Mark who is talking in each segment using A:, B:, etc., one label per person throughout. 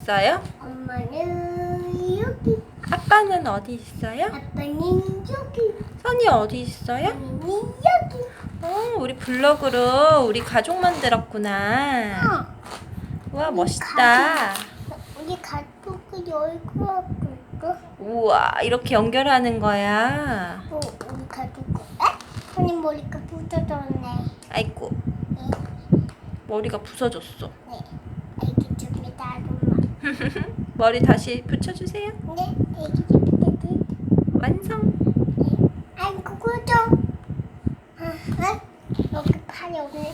A: 있어요?
B: 엄마는 여기.
A: 아빠는 어디 있어요?
B: 아빠는 여기.
A: 선이 어디 있어요?
B: 언니는 여기.
A: 우리 블럭으로 우리 가족 만들었구나. 우와, 멋있다.
B: 우리 가족이 얼굴하고 있어.
A: 우와, 이렇게 연결하는 거야.
B: 우리 가족. 언니 머리가 부서졌네.
A: 아이고,
B: 네.
A: 머리가 부서졌어.
B: 네. 알겠습니다, 아줌마.
A: 머리 다시 붙여주세요.
B: 네, 알겠습니다.
A: 완성.
B: 네. 아이고, 그죠? 여기 팔이 없네.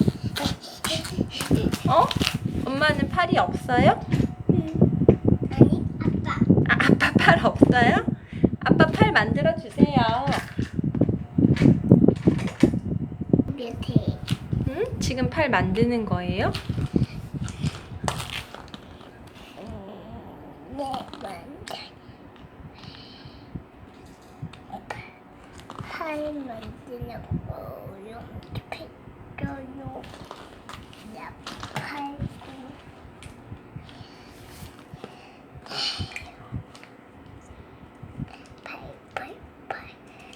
A: 어? 엄마는 팔이 없어요?
B: 아니, 아빠.
A: 아빠 팔 없어요? 아빠 팔 만들어 주세요.
B: 밑에.
A: 응? 지금 팔 만드는 거예요?
B: 네, 만져. 팔 만드는 거 이렇게 펴요. 팔고. 팔.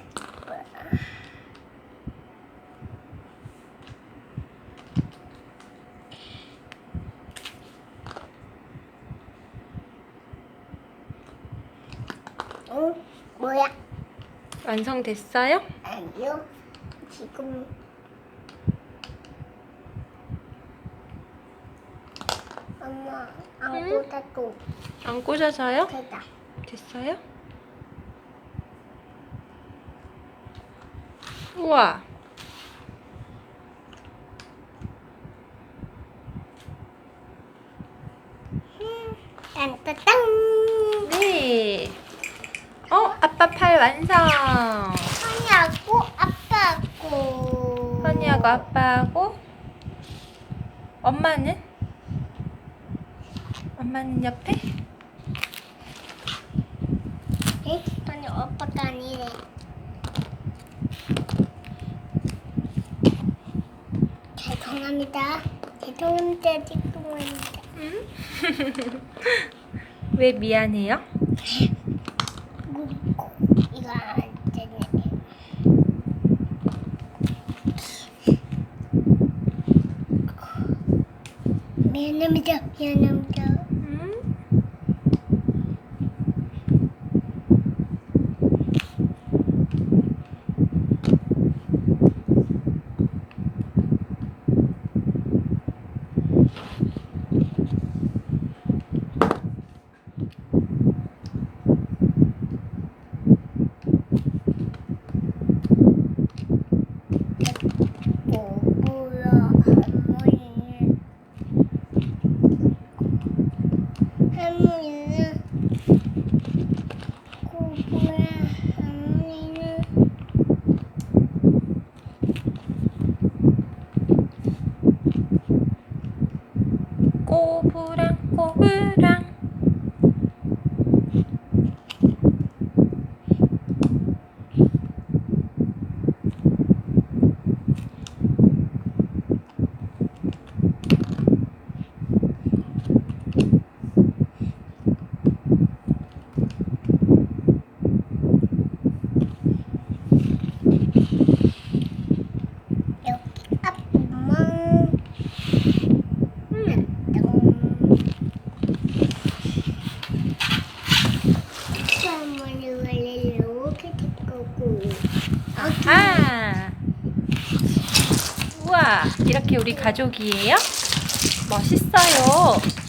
B: 뭐야?
A: 완성됐어요?
B: 아니요. 지금 엄마 안 꽂아도
A: 안 꽂아져요?
B: 되다.
A: 됐어요? 우와,
B: 딴따땅.
A: 네. 아빠 팔 완성.
B: 선이하고 아빠하고.
A: 선이하고 아빠하고. 엄마는? 엄마는 옆에?
B: 에? 선이 아빠가 아니래. 죄송합니다. 죄송합니다. 죄송합니다.
A: 응? 왜 미안해요?
B: 이거 안 되네. 미안합니다. 미안합니다.
A: 응?
B: 뭐야? 할머니는 고구마. 할머니는
A: 꼬부랑 꼬부랑.
B: 여기 앞만. 할머니가 이렇게 될 거고.
A: 아하. 우와, 이렇게 우리 가족이에요? 멋있어요.